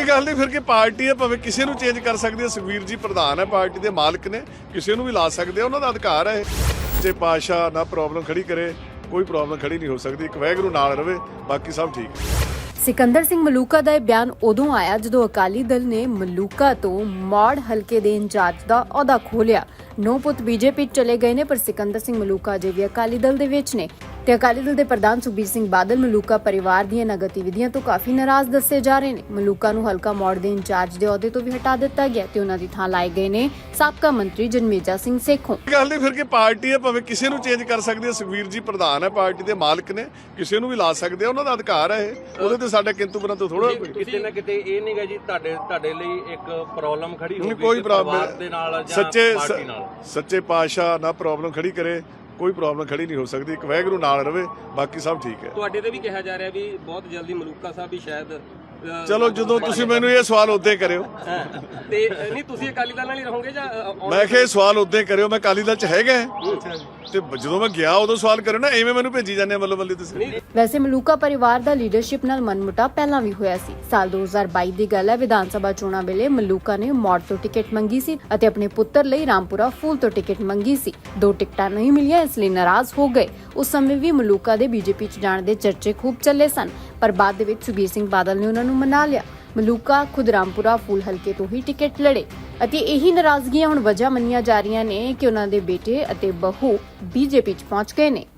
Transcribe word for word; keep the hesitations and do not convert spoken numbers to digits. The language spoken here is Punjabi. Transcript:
ਗੱਲ ਨਹੀਂ, ਫਿਰ ਕਿ ਪਾਰਟੀ ਹੈ, ਭਾਵੇਂ ਕਿਸੇ ਨੂੰ ਚੇਂਜ ਕਰ ਸਕਦੀ ਹੈ। ਸੁਖਬੀਰ ਜੀ ਪ੍ਰਧਾਨ ਹੈ, ਪਾਰਟੀ ਦੇ ਮਾਲਕ ਨੇ, ਕਿਸੇ ਨੂੰ ਵੀ ਲਾ ਸਕਦੇ ਆ, ਉਹਨਾਂ ਦਾ ਅਧਿਕਾਰ ਹੈ। ਜੇ ਪਾਤਸ਼ਾਹ ਨਾ ਪ੍ਰੋਬਲਮ ਖੜੀ ਕਰੇ, ਕੋਈ ਪ੍ਰੋਬਲਮ ਖੜੀ ਨਹੀਂ ਹੋ ਸਕਦੀ। ਇੱਕ ਵਾਹਿਗੁਰੂ ਨਾਲ ਰਵੇ, ਬਾਕੀ ਸਭ ਠੀਕ ਹੈ। ਸਿਕੰਦਰ ਸਿੰਘ ਮਲੂਕਾ ਦਾ ਇਹ ਬਿਆਨ ਉਦੋਂ ਆਇਆ ਜਦੋਂ ਅਕਾਲੀ ਦਲ ਨੇ ਮਲੂਕਾ ਤੋਂ ਮੌੜ ਹਲਕੇ ਦੇ ਇੰਚਾਰਜ ਦਾ ਅਹੁਦਾ ਖੋਹ ਲਿਆ। ਨੌ ਪੁੱਤ ਬੀਜੇਪੀ ਚਲੇ ਗਏ ਨੇ, ਪਰ ਸਿਕੰਦਰ ਸਿੰਘ ਮਲੂਕਾ ਅਜੇ ਵੀ ਅਕਾਲੀ ਦਲ ਦੇ ਵਿੱਚ ਨੇ ਤੇ ਅਕਾਲੀ ਦਲ ਦੇ ਪ੍ਰਧਾਨ ਸੁਖਬੀਰ ਸਿੰਘ ਬਾਦਲ ਮਲੂਕਾ ਪਰਿਵਾਰ ਦੀਆਂ ਇਹਨਾਂ ਗਤੀਵਿਧੀਆਂ ਤੋਂ ਕਾਫੀ ਨਾਰਾਜ਼ ਦੱਸੇ ਜਾ ਰਹੇ ਨੇ। ਮਲੂਕਾ ਨੂੰ ਹਲਕਾ ਮੌੜ ਦੇ ਇੰਚਾਰਜ ਦੇ ਅਹੁਦੇ ਤੋਂ ਵੀ ਹਟਾ ਦਿੱਤਾ ਗਿਆ ਤੇ ਉਹਨਾਂ ਦੀ ਥਾਂ ਲਾਏ ਗਏ ਨੇ ਸਾਬਕਾ ਮੰਤਰੀ ਜਨਮੇਜਾ ਸਿੰਘ ਸੇਖੋਂ। ਗੱਲ ਨਹੀਂ, ਫਿਰ ਕਿ ਪਾਰਟੀ ਹੈ, ਭਾਵੇਂ ਕਿਸੇ ਨੂੰ ਚੇਂਜ ਕਰ ਸਕਦੀ ਹੈ। ਸੁਖਬੀਰ ਜੀ ਪ੍ਰਧਾਨ ਹੈ, ਪਾਰਟੀ ਦੇ ਮਾਲਕ ਨੇ, ਕਿਸੇ ਨੂੰ ਵੀ ਲਾ ਸਕਦੇ ਆ, ਉਹਨਾਂ ਦਾ ਅਧਿਕਾਰ ਹੈ। ਉਹਦੇ ਤੇ ਸਾਡਾ ਕਿੰਤੂ ਬਣਾ ਤੋਂ ਥੋੜਾ ਕਿਤੇ ਨਾ ਕਿਤੇ ਇਹ ਨਹੀਂਗਾ ਜੀ ਤੁਹਾਡੇ ਤੁਹਾਡੇ ਲਈ ਇੱਕ ਪ੍ਰੋਬਲਮ ਖੜੀ ਹੋ ਗਈ ਕੋਈ ਪਰਿਵਾਰ ਦੇ ਨਾਲ ਜਾਂ ਸੱਚੇ ਪਾਰਟੀ ਨਾਲ। ਸੱਚੇ ਪਾਤਸ਼ਾਹ ਨਾ ਪ੍ਰੋਬਲਮ ਖੜੀ ਕਰੇ, ਕੋਈ ਪ੍ਰੋਬਲਮ ਖੜੀ ਨਹੀਂ ਹੋ ਸਕਦੀ। ਇੱਕ ਵਾਹਿਗੁਰੂ ਨਾਲ ਰਵੇ, ਬਾਕੀ ਸਭ ਠੀਕ ਹੈ। ਤੁਹਾਡੇ ਤੇ ਵੀ ਕਿਹਾ ਜਾ ਰਿਹਾ ਵੀ ਬਹੁਤ ਜਲਦੀ ਮਲੂਕਾ ਸਾਹਿਬ ਵੀ ਸ਼ਾਇਦ ਅ, ਚਲੋ, ਜਦੋਂ ਤੁਸੀਂ ਮੈਨੂੰ ਇਹ ਸਵਾਲ ਉਦੋਂ ਕਰਿਓ। ਤੇ ਨਹੀਂ ਤੁਸੀਂ ਅਕਾਲੀ ਦਲ ਨਾਲ ਹੀ ਰਹੋਗੇ ਜਾਂ ਅ, ਆਉਣ- ਮੈਂ ਕਿਹਾ ਇਹ ਸਵਾਲ ਉਦੋਂ ਕਰਿਓ, ਮੈਂ ਅਕਾਲੀ ਦਲ ਚ ਹੈਗਾ ਤੇ ਜਦੋਂ ਮੈਂ ਗਿਆ ਉਦੋਂ ਸਵਾਲ ਕਰਿਓ ਨਾ, ਐਵੇਂ ਮੈਨੂੰ ਭੇਜੀ ਜਾਂਦੇ ਮੱਲੋ ਮੱਲੀ ਤੁਸੀਂ। ਵੈਸੇ ਮਲੂਕਾ ਪਰਿਵਾਰ ਦਾ ਲੀਡਰਸ਼ਿਪ ਨਾਲ ਮਨਮੁਟਾਵ ਪਹਿਲਾਂ ਵੀ ਹੋਇਆ ਸੀ। ਸਾਲ ਦੋ ਹਜ਼ਾਰ ਬਾਈ ਦੀ ਗੱਲ ਹੈ, ਵਿਧਾਨ ਸਭਾ ਚੋਣਾਂ ਵੇਲੇ ਮਲੂਕਾ ਨੇ ਮੌੜ ਤੋਂ ਟਿਕਟ ਮੰਗੀ ਸੀ ਅਤੇ ਆਪਣੇ ਪੁੱਤਰ ਲਈ ਰਾਮਪੁਰਾ ਫੂਲ ਤੋਂ ਟਿਕਟ ਮੰਗੀ ਸੀ। ਦੋ ਟਿਕਟਾਂ ਨਹੀਂ ਮਿਲੀਆਂ, ਇਸ ਲਈ ਨਾਰਾਜ਼ ਹੋ ਗਏ। ਉਸ ਸਮੇਂ ਵੀ ਮਲੂਕਾ ਦੇ ਬੀਜੇਪੀ ਚ ਜਾਣ ਦੇ ਚਰਚੇ ਖੂਬ ਚੱਲੇ ਸਨ, ਪਰ ਬਾਅਦ ਦੇ ਵਿੱਚ ਸੁਖਬੀਰ ਸਿੰਘ ਬਾਦਲ ਨੇ ਉਹਨਾਂ ਨੂੰ ਮਨਾ ਲਿਆ। ਮਲੂਕਾ ਖੁਦ ਰਾਮਪੁਰਾ ਫੂਲ ਹਲਕੇ ਤੋਂ ਹੀ ਟਿਕਟ ਲੜੇ ਅਤੇ ਇਹੀ ਨਾਰਾਜ਼ਗੀਆਂ ਹੁਣ ਵਜ੍ਹਾ ਮੰਨੀਆਂ ਜਾ ਰਹੀਆਂ ਨੇ ਕਿ ਉਹਨਾਂ ਦੇ ਬੇਟੇ ਅਤੇ ਬਹੂ ਬੀਜੇਪੀ ਚ ਪਹੁੰਚ ਗਏ ਨੇ।